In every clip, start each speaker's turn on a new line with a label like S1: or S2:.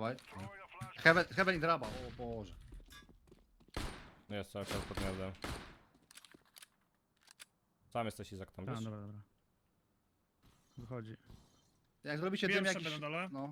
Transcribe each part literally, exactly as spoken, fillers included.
S1: Dawaj. Heaven, Heaven i draba, o Boże.
S2: Jest cały czas pod gniazdem. Sam jesteś Izak tam,
S3: Tak,
S2: wiesz?
S3: dobra, dobra. Wychodzi.
S1: Jak zrobicie
S4: Wiem
S1: dym
S4: sobie
S1: jakiś...
S4: na dole.
S1: No.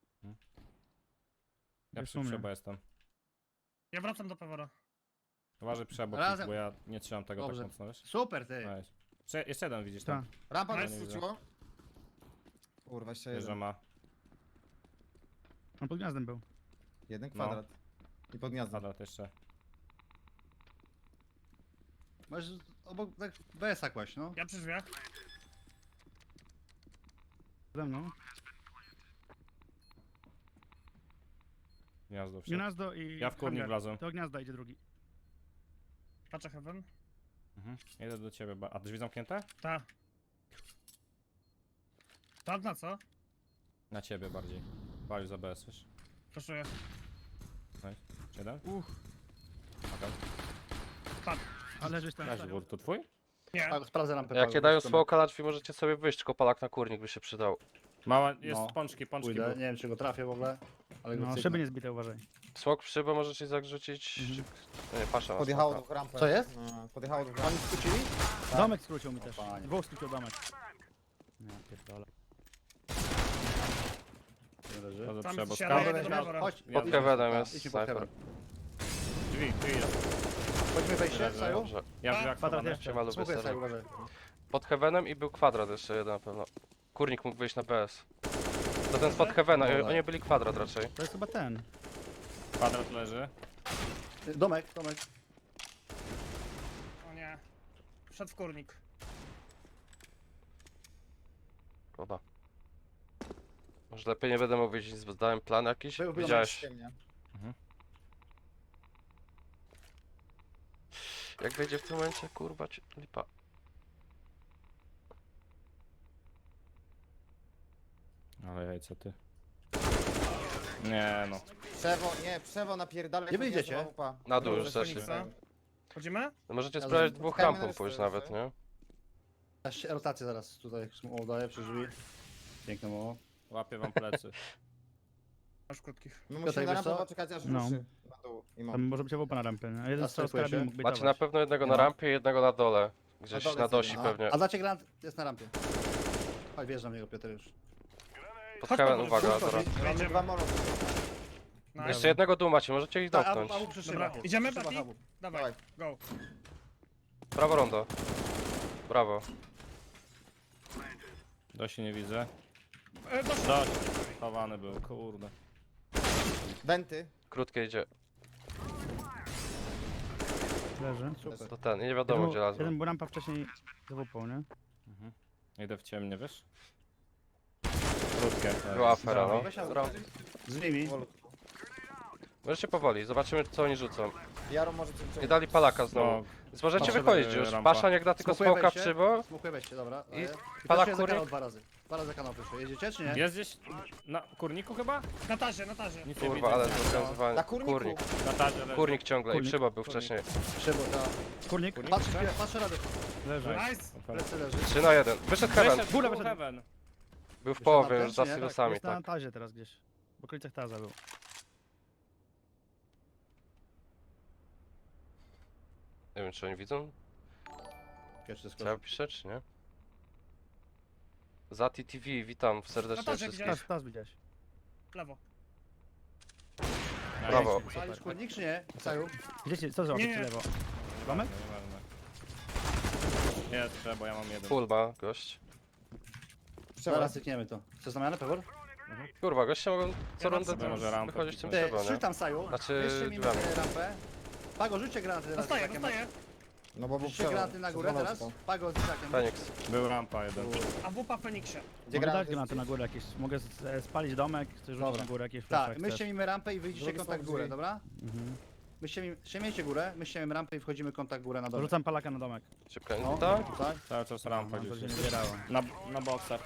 S2: Ja
S3: Jest
S2: przy
S3: u mnie.
S2: przebo jestem.
S4: Ja wracam do Pewora.
S2: Uważaj przebo,
S1: Razem.
S2: bo ja nie trzymam tego
S1: Dobrze.
S2: tak mocno, wiesz?
S1: Super, ty.
S2: Nice. Jeszcze, jeszcze jeden widzisz
S3: Tak.
S2: tam.
S5: Rampa
S4: Nice.
S5: nas wróciło. Kurwa, jeszcze
S2: Wiesz, że
S5: jeden.
S2: ma.
S3: On pod gniazdem był.
S5: Jeden
S2: No.
S5: kwadrat. I pod gniazdem.
S2: Kwadrat jeszcze.
S1: Masz obok tak B S A kłaść, no.
S4: Ja przy drzwiach.
S3: Ze mną.
S2: Gniazdo wszedł.
S3: Gniazdo i...
S2: Ja w kurnik
S3: hangar.
S2: wlazłem.
S3: Do gniazda idzie drugi.
S4: Patrzę Heaven.
S2: Mhm. Jedę do ciebie, ba- a drzwi zamknięte?
S4: Ta. Tam na co?
S2: Na ciebie bardziej. Walił za B S, wiesz?
S4: Proszę.
S2: Jeden?
S3: Uch.
S2: Okej.
S4: Padł.
S3: A leżysz tam.
S2: Razie, był to twój?
S4: Nie.
S1: Pago, sprawdzę rampę.
S6: Jak
S1: Pago,
S6: nie dają
S1: zobaczymy.
S6: smoka na drzwi, możecie sobie wyjść, tylko palak na kurnik by się przydał.
S2: Mała, jest
S1: No.
S2: pączki, pączki
S1: Pójdę,
S2: był.
S1: nie wiem czy go trafię w ogóle. Ale go
S3: No,
S1: cyknę.
S3: szyby nie zbite, uważaj.
S6: Smok przy, bo możecie zagrzecić...
S3: Mhm.
S6: Nie, pasza ma
S5: Podjechało
S6: smoka.
S5: do rampy.
S1: Co jest?
S5: No, podjechało do
S1: Oni
S5: rampy.
S1: skrócili?
S3: Domek skrócił mi też.
S1: panie.
S3: Dwóch skrócił domek. Nie, pierdolę.
S1: Nie leży.
S2: To
S4: Tam
S2: trzeba
S4: się
S2: skał.
S4: daje do Pewora.
S1: Chodź,
S2: Ja
S6: Pod Heavenem
S1: Tak,
S6: jest
S1: idźmy pod
S6: sniper.
S1: Heaven.
S2: Drzwi, drzwi jest.
S1: Chodźmy wejście,
S2: Leży.
S1: Saju.
S6: Dobrze.
S2: Ja w drzwiach
S3: Kwadrat
S2: schowany.
S3: jeszcze.
S6: Siema, lubię
S1: Smokuję Saju,
S6: serio.
S1: uważaj.
S6: Pod Heavenem i był kwadrat jeszcze jeden na pewno. Kurnik mógł wyjść na B S. To ten spod Heavena,
S1: Dobra.
S6: oni byli kwadrat raczej.
S3: To jest chyba ten.
S2: Kwadrat leży.
S1: Domek, domek.
S4: O nie. Wszedł w kurnik.
S6: Szkoda. Może lepiej nie będę mógł wiedzieć, nic, bo zdałem plan jakiś.
S1: Był, był
S6: Widziałeś.
S5: Ciemnie.
S6: Jak wejdzie w tym momencie, kurwa, ci- lipa.
S2: Ale jajce ty. Nie no.
S5: Przewo, nie, przewo napierdalaj.
S1: Nie
S5: pod
S1: wyjdziecie?
S5: gniazdo, łupa.
S6: Na dół
S5: Dobrze,
S6: już zeszli.
S5: Feniksa.
S4: Chodzimy?
S6: No możecie
S1: Ja
S6: spróbować
S1: z-
S6: dwóch
S5: spotkajmy
S6: rampą
S5: resztę,
S6: pójść
S5: co?
S6: nawet, nie?
S1: Ja się rotację zaraz tutaj udaję przy drzwi. Piękne mało.
S2: Łapię wam plecy.
S4: Masz krótkich.
S5: My
S1: Piotrek,
S5: musimy na
S1: wiesz
S5: rampę
S1: co?
S5: poczekać aż
S3: No.
S5: ruszy. Na dół. I
S3: Tam
S5: mam.
S3: może być opa na rampę. nie? A jeden strzał z
S1: Zaskakuje się.
S3: karabinu mógł
S6: Macie na
S3: bejtować.
S6: pewno jednego na
S1: No.
S6: rampie i jednego na dole. Gdzieś
S5: dole
S6: na
S5: jest
S6: dosi
S5: jeden,
S1: A,
S6: pewnie.
S1: a dacie granat jest na rampie. Chodź, wjeżdżam w niego Piotr już.
S6: Pod
S4: Chodź,
S6: Heaven,
S4: Paweł,
S6: uwaga,
S1: chodź,
S6: dobra.
S1: chodź.
S5: Mamy
S4: Wejdziemy.
S5: dwa molo.
S4: Nice.
S6: Jeszcze jednego dół macie, możecie ich
S1: Tak, a,
S6: dotknąć.
S1: a przy
S4: Dobra,
S1: szybach.
S4: idziemy,
S1: Przy szybach
S4: Pati?
S1: abu.
S4: Dawaj,
S5: Dawaj.
S4: go.
S6: Brawo rondo. Brawo.
S2: Dosi nie widzę.
S4: E, doszło.
S2: Dość. Chowany był, kurde.
S5: Wenty.
S6: Krótkie idzie.
S3: Leży.
S1: Super.
S6: To ten, i nie wiadomo
S3: Jeden,
S6: gdzie
S3: był-
S6: lazło.
S3: jeden był rampa wcześniej z łupą, nie?
S2: Mhm. Idę w ciemnie, wiesz? Krótkie.
S6: Była afera, no.
S1: Weź abu.
S6: Dobra.
S1: Z nimi.
S6: Możecie powoli, zobaczymy co oni rzucą.
S5: Jaro może coś
S6: Nie
S5: wciągnąć.
S6: dali palaka znowu.
S2: No,
S6: Więc możecie
S2: Patrzę,
S6: wychodzić
S2: e,
S6: już.
S2: rampa.
S6: Pasza niech da tylko
S1: Smokuję
S6: smoka w
S1: wejście.
S6: przybo.
S1: Smokuję wejście, dobra.
S6: I
S1: I
S6: palak
S1: palak
S6: kurnik?
S1: dwa razy. Dwa razy kanał wyszło. Jedziecie czy nie?
S2: jest gdzieś na kurniku chyba?
S4: Na tarze, na tarze.
S2: Nic nie
S6: Kurwa,
S2: widzę.
S6: ale zorganizowanie.
S5: Na kurniku.
S6: Kurnik.
S2: Na tarze leży.
S6: Kurnik ciągle i
S3: Kurnik.
S6: przybo był
S2: Kurnik.
S6: wcześniej.
S1: Szybo, ta.
S3: Kurnik.
S1: Patrz, patrz radę.
S3: Leży.
S4: Nice.
S1: Plecy leży.
S6: trzy na jeden. Wyszedł Heaven.
S2: Wyszedł,
S3: Góra
S2: był
S3: wyszedł.
S2: Heaven.
S6: Był w
S1: Wyszedł
S6: połowie
S1: na
S6: już za
S1: ten, czy nie?
S6: silosami,
S3: Jest na
S6: tak.
S3: tazie teraz gdzieś. W okolicach taza był.
S6: Nie wiem czy oni widzą.
S1: Pierwszy
S6: Co ja
S1: skok.
S6: piszę czy nie? Zati T V, witam serdecznie
S4: Natarze
S6: wszystkich.
S4: widziałeś?
S3: Taz, taz widziałeś.
S4: Lewo.
S6: Brawo.
S1: Salisz kurnik czy nie? Saju?
S3: Gdzieś, co zrobić
S4: Nie, nie.
S3: lewo? Domek?
S2: Nieważne. Jest, trzeba, bo ja mam jeden.
S6: Full ma gość.
S5: Przewo.
S1: Zaraz cykniemy to. Co znamiane, Pewor?
S6: Kurwa, goście mogą co
S4: Ja
S6: rundę
S4: wracam,
S2: może rampę
S6: wychodzić tym
S1: Ty,
S6: trzeba,
S1: rzuć
S6: nie?
S1: tam Saju.
S6: Znaczy,
S1: Jeszcze mi
S6: drzwiami.
S1: rampę. Pago, rzućcie granaty teraz.
S4: Dostaję,
S1: z Izakiem.
S4: dostaję.
S5: No bo był
S1: Rzućcie
S5: przewo.
S1: granaty na górę
S5: Przez
S1: teraz.
S5: bolotko.
S1: Pago z Izakiem.
S6: Feniks.
S2: Był rampa jeden.
S4: A wupa w Feniksie.
S5: Gdzie
S3: Mogę dać
S5: granaty
S3: granaty na
S5: rzucić?
S3: górę jakieś. Mogę z- e, spalić domek, chcę rzucić
S1: Dobra.
S3: na górę jakieś
S1: Tak,
S3: flesze,
S1: my ściemimy rampę i wyjdziecie
S5: Drugi
S1: kontakt
S5: są
S1: górę,
S5: drzwi.
S1: dobra?
S3: Mhm.
S1: My ściemimy, ściemiecie górę, my ściemimy rampę i wchodzimy kontakt górę na dole.
S3: Rzucam palaka na domek.
S6: Szybka
S1: No,
S6: inta.
S1: tutaj.
S2: Cały czas rampa
S3: No, to
S2: gdzieś
S3: się nie
S2: jest.
S3: zbierało.
S2: Na, na boksach.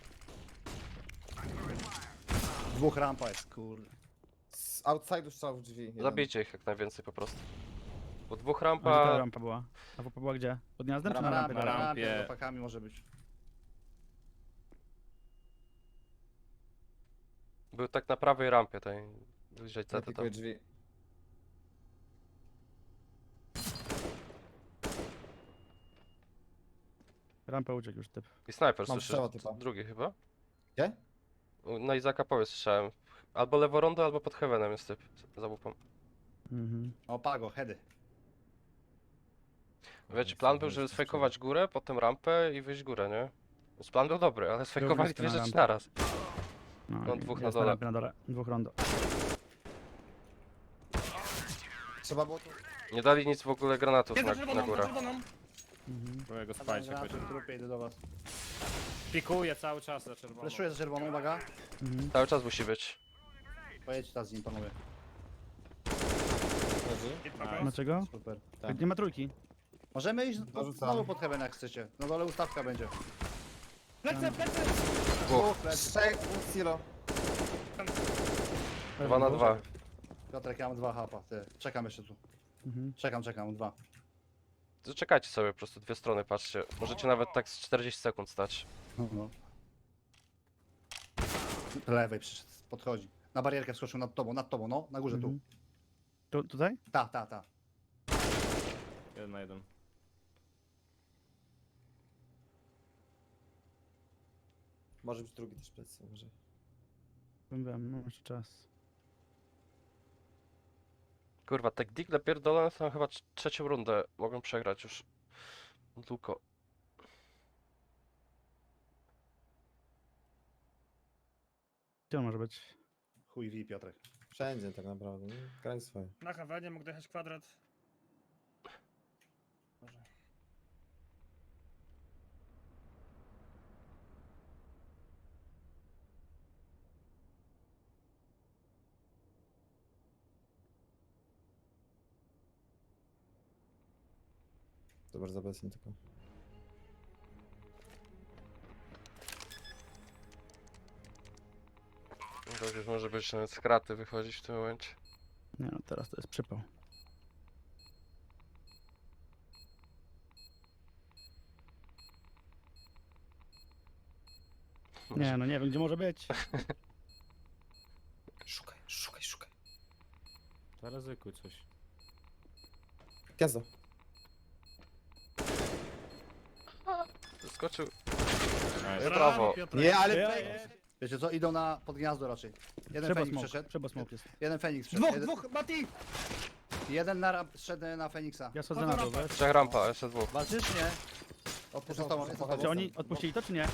S1: Dwóch rampa jest, kurde.
S5: Z outside'u strzał w drzwi. jeden.
S6: Zabijcie ich jak najwięcej po prostu. Bo dwóch
S3: A gdzie ta
S6: rampa...
S3: rampa była? A wupa była gdzie? Pod gniazdem czy
S1: Na
S3: na
S1: rampie,
S3: rampie?
S1: na
S3: dalej?
S2: rampie.
S1: rampie, z opakami może być.
S6: Był tak na prawej rampie tej. Wyjrzeć C T tam.
S5: Zapikuję drzwi.
S3: Rampę uciekł już typ.
S6: I snajper,
S5: Mam
S6: słyszysz?
S5: strzała typa.
S6: Drugi chyba?
S5: Gdzie?
S6: U- Na Izaka powie słyszałem. Albo lewo rondo, albo pod heavenem jest typ. Za łupą.
S3: Mhm.
S1: O, pago, heady.
S6: Wiecie, plan był, żeby sfejkować górę, potem rampę i wyjść górę, nie? Więc plan był dobry, ale sfejkowali
S3: blisko
S6: dwie
S3: na
S6: rzeczy
S3: rampę.
S6: naraz.
S3: No,
S6: No,
S3: i
S6: dwóch na
S3: jest
S6: dole.
S3: rampie na dole. Dwóch rondo.
S5: Trzeba było tu...
S6: Nie dali nic w ogóle granatów
S4: Jest
S6: na,
S4: za
S6: na
S4: czerwoną, za
S6: górę.
S4: czerwoną.
S3: Mhm.
S2: Próbuję go
S1: Padam
S2: spalić
S1: granat
S2: jakoś.
S1: w trupie, idę do was.
S2: Pikuję cały czas za czerwoną.
S1: Fleszuję za czerwoną, uwaga.
S3: Mhm.
S6: Cały czas musi być.
S1: Pojedźcie teraz z nim, panowie.
S5: Leży.
S4: I prawo.
S2: Nice.
S3: Dlaczego?
S1: Super.
S5: Tak.
S3: Nie ma trójki.
S1: Możemy iść
S5: Dorzucam.
S1: znowu pod heaven jak chcecie. Na dole ustawka będzie.
S4: Plecy, plecy!
S6: Dwóch.
S5: Trzech, dwóch silo.
S6: Dwa na dwa.
S1: Piotrek, ja mam dwa hapa, ty. Czekam jeszcze tu.
S3: Mhm.
S1: Czekam, czekam, dwa.
S6: Zaczekajcie sobie po prostu dwie strony, patrzcie. Możecie nawet tak z czterdzieści sekund stać.
S1: No. Do lewej przyszedł, podchodzi. Na barierkę wskoczył nad tobą, nad tobą, no. Na górze
S3: Mhm. Tu, tutaj?
S1: tu. Ta, ta, ta.
S2: Jeden na jeden.
S5: Może być drugi też plecy, może.
S3: Wiem, wiem, mam jeszcze czas.
S6: Kurwa, te digle pierdolone to chyba trz- trzecią rundę mogą przegrać już. Długo.
S3: Gdzie on może być?
S1: Chuj wi, Piotrek.
S5: Wszędzie tak naprawdę, nie? Graj swoje.
S4: Na hawenie mógł dojechać kwadrat. Może.
S5: Zobacz, za beznie tylko.
S6: To już może być nawet z kraty wychodzić w tym momencie.
S3: Nie no, teraz to jest przypał. Nie no, nie wiem gdzie może być.
S5: Szukaj, szukaj, szukaj.
S2: Zaryzykuj coś.
S5: Gniazdo.
S6: Skoczył.
S2: Nice.
S6: Brawo.
S4: Piotrek.
S5: Nie, ale...
S3: Ja-
S5: fake.
S1: Wiecie co, idą na pod gniazdo raczej. Jeden
S3: Trzeba
S1: Feniks
S3: smoke,
S1: przeszedł.
S3: trzeba smoke jest.
S1: Jeden Feniks przeszedł.
S4: Dwóch,
S1: jeden,
S4: dwóch, Mati!
S1: jeden na, ramp- szedł na Feniksa.
S3: Ja schodzę na dół, wiesz?
S6: Trzech rampa, jeszcze dwóch.
S1: Walczysz, nie?
S5: Odpuszczam,
S1: Jestem z tobą,
S5: odpuszczam,
S1: jestem z
S5: pochodzi.
S3: Czy oni odpuścili to czy nie?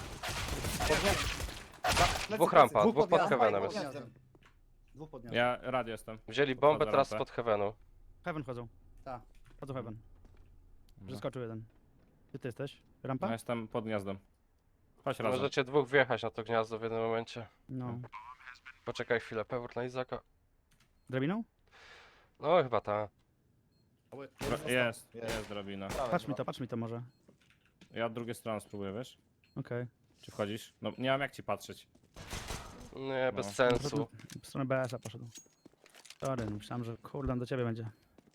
S6: Dwóch rampa,
S1: Dwóch
S6: dwóch
S1: pod
S6: pod
S1: gniazdem,
S6: heavenem
S1: pod
S6: jest.
S1: gniazdem. Dwóch pod gniazdem.
S2: Ja radio jestem.
S6: Wzięli bombę
S2: Podchodzę
S6: teraz
S2: rampę.
S6: pod heavenu.
S3: Heaven chodzą.
S1: Tak.
S3: Chodzą Heaven.
S2: No.
S3: Przeskoczył jeden. Gdzie ty jesteś?
S2: Ja
S3: Rampa?
S2: jestem pod gniazdem. Chodź razem.
S6: Możecie dwóch wjechać na to gniazdo w jednym momencie.
S3: No.
S6: Poczekaj chwilę, pewór na Izaka.
S3: Drabiną?
S6: No chyba ta.
S2: Dro- Jest, jest drabina.
S3: Patrz mi to, patrz mi to może.
S2: Ja od drugiej strony spróbuję, wiesz?
S3: Okej.
S2: Czy wchodzisz? No nie mam jak ci patrzeć.
S6: Nie, bez
S2: No.
S6: sensu.
S3: W stronę B S-a poszedł. Sorry, no myślałem, że kurde on do ciebie będzie.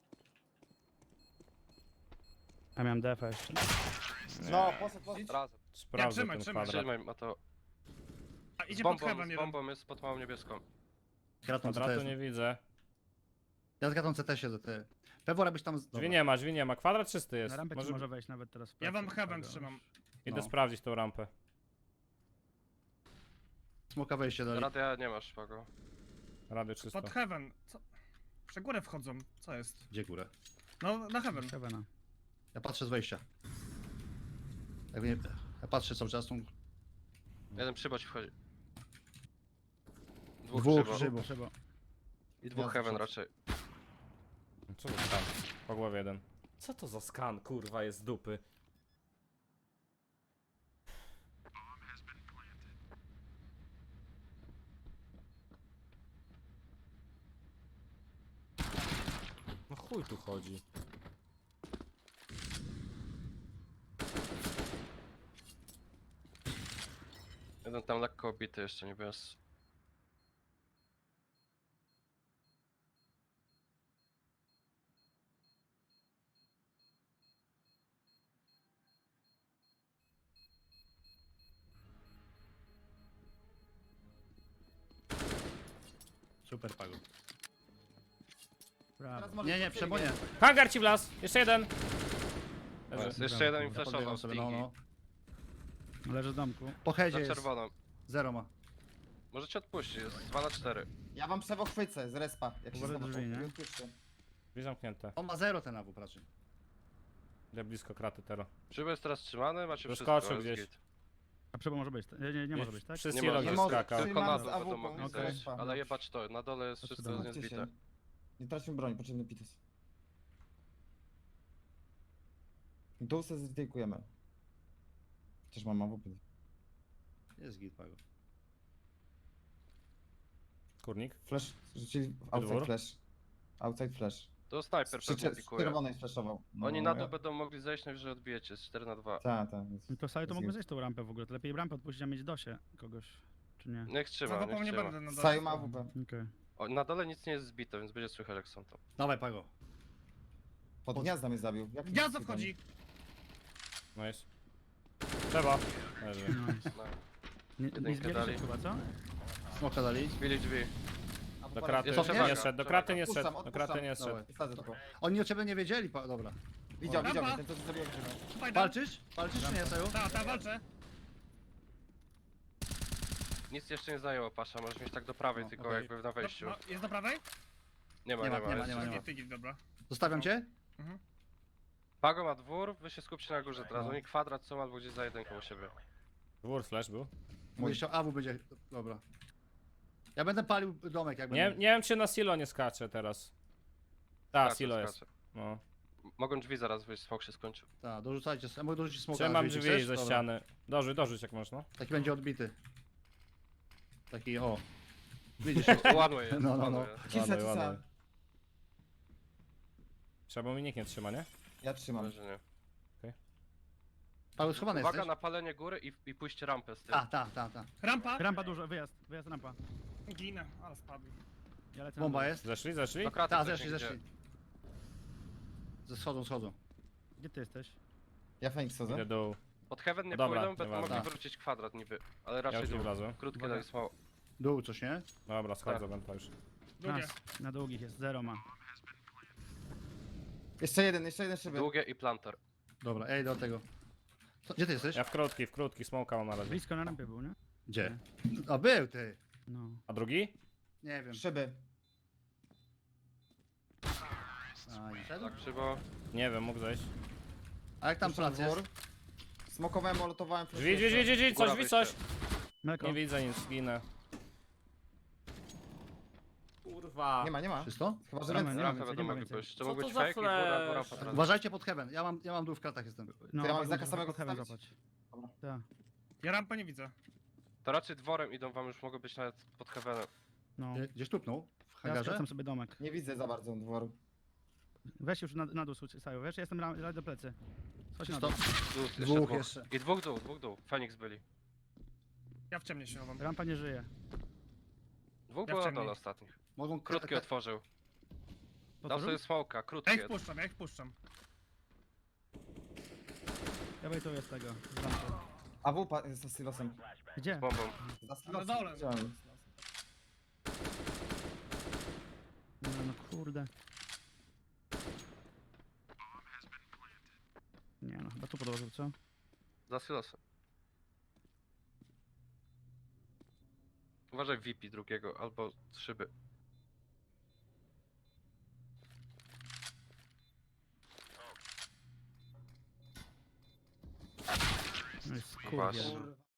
S3: Ja miałem defa jeszcze.
S5: No, poszedł, poszedł.
S6: Razem.
S2: Sprawdzę
S4: trzymaj,
S2: ten
S4: trzymaj.
S2: kwadrat.
S6: Trzymaj, ma to.
S4: A
S6: Z
S4: idzie pod
S6: bombą,
S4: heaven
S6: z
S4: jeden.
S6: bombą jest pod małą niebieską.
S1: Kratą C T
S2: Kwadratu
S1: jest.
S2: nie widzę.
S1: Ja z kratą C T siedzę, ty. Pewor, abyś tam... z-
S2: Drzwi
S1: Dobra.
S2: nie ma, drzwi nie ma. Kwadrat czysty jest.
S3: Na rampę
S2: Może...
S3: ci może wejść nawet teraz. w
S4: Ja wam
S3: plecy.
S4: heaven
S3: Dobra.
S4: trzymam.
S2: Idę
S1: No.
S2: sprawdzić tą rampę.
S1: Smoka wejście dali.
S6: Radia nie masz, Pago.
S2: Radio czysto.
S4: Pod heaven. Co? Prze górę wchodzą. Co jest?
S1: Gdzie górę?
S4: No, na heaven.
S3: Heavena.
S1: Ja patrzę z wejścia. Jak nie... Ja patrzę cały czas, tą...
S6: Jeden przyboć wchodzi. Dwóch,
S1: Dwóch
S6: przybo.
S1: przybo.
S3: Trzeba.
S6: I dwóch heaven raczej.
S2: Co to skan? Po głowie jeden. Co to za skan, kurwa, jest z dupy? No chuj tu chodzi.
S6: Jeden tam lekko obity jeszcze, nie bez.
S3: Super, Pago. Brawo.
S5: Teraz może
S1: Nie, nie,
S5: przebiegnie.
S1: przebonie.
S2: Hangar ci wlazł! Jeszcze jeden!
S6: Nice.
S2: Leży.
S6: Jeszcze jeden mi
S3: Dobra,
S6: flashował
S1: Podbiegam
S6: z
S1: sobie, no,
S6: pingi.
S1: no.
S3: Leży w domku.
S1: Po headzie
S6: Za
S1: jest.
S6: czerwoną.
S1: Zero ma.
S6: Możecie odpuścić, jest dwa na cztery.
S5: Ja wam przewo chwycę z respa, jak się
S3: Uważaj
S5: znowu
S3: drzwi, nie?
S5: odpuszczę.
S2: Drzwi zamknięte.
S1: On ma zero ten awu raczej.
S2: Idę blisko kraty teraz.
S6: Szyby jest teraz trzymany, macie wszystko.
S2: Wyskoczył
S6: jest
S2: gdzieś.
S6: git.
S3: A przebo może być. Nie, nie, nie może być, tak?
S2: Przy
S6: Nie
S2: silo
S6: może.
S2: gdzieś
S5: Nie może.
S2: skakał.
S5: Trzymam
S6: Tylko na
S5: z
S6: dół
S5: A W
S6: będą
S5: P,
S6: mogli
S3: okej.
S6: zejść, ale jebać to, na dole jest wszystko
S3: Dobrze.
S6: jest
S5: Zbijcie
S6: niezbite.
S5: się. Nie traćmy broń, potrzebny pitus. Dół se zrejkujemy. Chociaż mam A W P.
S1: Jest git, Pago.
S2: Kurnik.
S5: Flash, rzucili outside
S2: Dwór?
S5: flash. Outside flash.
S6: To snajper
S5: Przy
S6: pewnie
S5: cze- z
S6: pikuje.
S5: czerwonej flashował. No,
S6: Oni na dół
S5: ja-
S6: będą mogli zejść, najwyżej odbijecie, z cztery na dwa.
S5: Tak, tak.
S3: No to Saju to
S5: jest
S3: mógłby
S5: git.
S3: zejść tą rampę w ogóle. To lepiej rampę odpuścić, a mieć dosie kogoś. Czy nie?
S6: Niech trzyma,
S4: Za
S6: niech
S4: nie
S6: trzyma.
S4: będę na dole.
S5: Saju ma A W P.
S3: Okej.
S6: O, na dole nic nie jest zbite, więc będzie słychać jak są tam.
S1: Dawaj, Pago.
S5: Pod gniazda mnie zabił. Jak
S4: Gniazdo wchodzi!
S2: Nice. Trzeba. Leży.
S3: Nice.
S6: No.
S3: Nie,
S6: Jedynkę
S3: nie zbierze
S6: dali.
S3: się chyba, co?
S1: Smoka dali.
S6: Zbili drzwi.
S2: Do kraty
S6: Jest
S2: nie
S6: przewaga,
S2: szedł, do
S6: przewaga.
S2: kraty nie
S5: Odpuszczam,
S2: szedł, do kraty nie
S5: odpuszczam.
S2: szedł.
S5: Wsadzę tylko.
S1: Oni o ciebie nie wiedzieli, pa... dobra.
S5: Widział,
S4: O,
S5: widział
S4: rampa.
S5: mnie, ten co zabił grzybę.
S4: Fajda.
S1: Walczysz? Walczysz czy nie, Saju?
S4: Ta, ta, walczę.
S6: Nic jeszcze nie zajęło, Pasza, możesz mieć tak do prawej,
S1: No,
S6: tylko
S1: okej.
S6: jakby na wejściu.
S4: No, jest do prawej?
S6: Nie ma,
S1: Nie
S6: nie
S1: ma,
S6: ma.
S1: nie ma,
S6: jest
S1: nie ma, nie ma.
S6: wszystko.
S4: Ty, ty, dobra.
S1: Zostawiam cię?
S4: Mhm.
S6: Pago ma dwór, wy się skupcie na górze teraz.
S1: No.
S6: Oni kwadrat są albo gdzieś za jedynką u siebie.
S2: Dwór flash był.
S1: Mój jeszcze awu będzie... Dobra. Ja będę palił domek jak
S2: Nie,
S1: będę.
S2: nie wiem czy na silo nie skacze teraz. Ta,
S6: Skacze,
S2: silo jest.
S6: skacze.
S2: No.
S6: M- Mogą drzwi zaraz wyjść, smok się skończył.
S1: Tak, dorzucajcie. Ja mogę dorzucić smoka.
S2: Trzymam
S1: jeżeli
S2: drzwi
S1: chcesz?
S2: ze
S1: Dobra.
S2: ściany. Dorzuć, dorzuć jak można.
S1: Taki będzie odbity. Taki o. Widzisz?
S6: One way jest,
S1: No, no,
S6: one
S1: no.
S6: way jest.
S5: Cisa,
S2: Ładuj, ładuj.
S5: cisa.
S2: Trzeba, bo mi nikt nie trzyma, nie?
S5: Ja trzymam.
S6: Leży, nie.
S1: Paweł, schowany
S6: Uwaga
S1: jesteś?
S6: na palenie góry i, i pójście rampę z tym.
S1: Ta, ta, ta, ta.
S4: Rampa?
S3: Rampa dużo, wyjazd, wyjazd rampa.
S4: Ginę, ale spadł.
S3: Ja lecę na
S1: Bomba
S3: dół.
S1: jest?
S2: Zeszli, zeszli?
S6: Do kraty
S1: Ta,
S6: ktoś
S1: zeszli,
S6: nie idzie.
S1: zeszli. Ze schodzą, schodzą.
S3: Gdzie ty jesteś?
S5: Ja Fenix
S2: Idę
S5: chodzę.
S2: dół.
S6: Pod heaven nie
S2: No dobra,
S6: pójdą, będą
S2: nieważne.
S6: mogli wrócić kwadrat niby. Ale
S2: Ja
S6: raczej
S2: już nie
S6: dół.
S2: wlazłem.
S6: Krótkie
S3: Uwaga.
S6: dali smoke.
S1: Dół coś, nie?
S2: Dobra, schodzę,
S6: Tak.
S2: będę już.
S4: Drugie.
S3: Nas, na długich jest, zero ma.
S5: Jeszcze jeden, jeszcze jeden szyby.
S6: Długie i planter.
S1: Dobra, ej do tego. Co, gdzie ty jesteś?
S2: Ja w krótki, w krótki, smoka mam na razie.
S3: Blisko na rampie był, nie?
S1: Gdzie? A był ty!
S3: No.
S2: A drugi?
S1: Nie wiem.
S5: Szyby.
S1: A, nie szedł?
S6: Tak, krzywo.
S2: Nie wiem, mógł zejść.
S1: A jak tam
S5: Puszczam
S1: plac jest?
S5: dwór. Smokowałem, molotowałem.
S2: Drzwi, drzwi, drzwi, drzwi, drzwi, coś,
S6: Góra
S2: drzwi, coś.
S6: wyjście.
S3: Melko.
S2: Nie widzę nic, ginę. Kurwa.
S5: Nie ma, nie ma.
S1: Czysto?
S5: Chyba, że
S3: Nie ma,
S5: ręce.
S3: nie ma
S6: Rampę
S3: więcej,
S6: będą
S3: nie ma
S6: mogli
S3: więcej.
S6: pójść. To
S2: Co
S6: mógł
S2: to
S6: być
S2: za
S6: fake i góra,
S2: flash?
S6: góra potrafi.
S1: Uważajcie pod heaven. Ja mam, ja mam dół w kratach jestem.
S3: No,
S5: Ty ja mam
S3: mogę
S5: Zaka
S3: pod
S5: samego
S3: heaven
S5: postawić?
S3: złapać.
S5: Dobra.
S3: Tak,
S4: Ja rampę nie widzę.
S6: To raczej dworem idą wam, już mogą być nawet pod heavenem.
S3: no.
S1: Gdzie- Gdzieś tupnął? W
S3: Ja
S1: hangarze?
S3: skracam sobie domek.
S5: Nie widzę za bardzo dworu.
S3: Weź już na, na dół, Saju, wiesz, ja jestem ra- ra- do plecy. Chodź na
S1: Czysto?
S3: dół.
S6: Dół, jeszcze
S1: Dwóch
S6: dwóch.
S1: jeszcze.
S6: I dwóch dół, dwóch dół. Fenix byli.
S4: Ja w ciemnie się chowam.
S3: Rampa nie żyje.
S6: Dwóch
S4: Ja
S6: było na
S4: wciągnij.
S6: dole ostatnich.
S1: Mogą
S6: Krótki otworzył. Dał
S3: Otworzył?
S6: sobie smoka,
S4: Ja ich
S6: krótkie.
S4: wpuszczam, ja ich wpuszczam.
S3: Ja wejtuję z tego. z rampy.
S5: A W P jest z silosem.
S3: Gdzie?
S6: Z bombą.
S5: Za
S4: Na
S5: silosem.
S4: dole.
S5: Widziałem.
S3: No, no kurde. Nie no, chyba tu podłożył, co?
S6: Za silosem. Uważaj V P drugiego, albo z szyby.
S3: No jest
S6: Właśnie.
S3: kurde.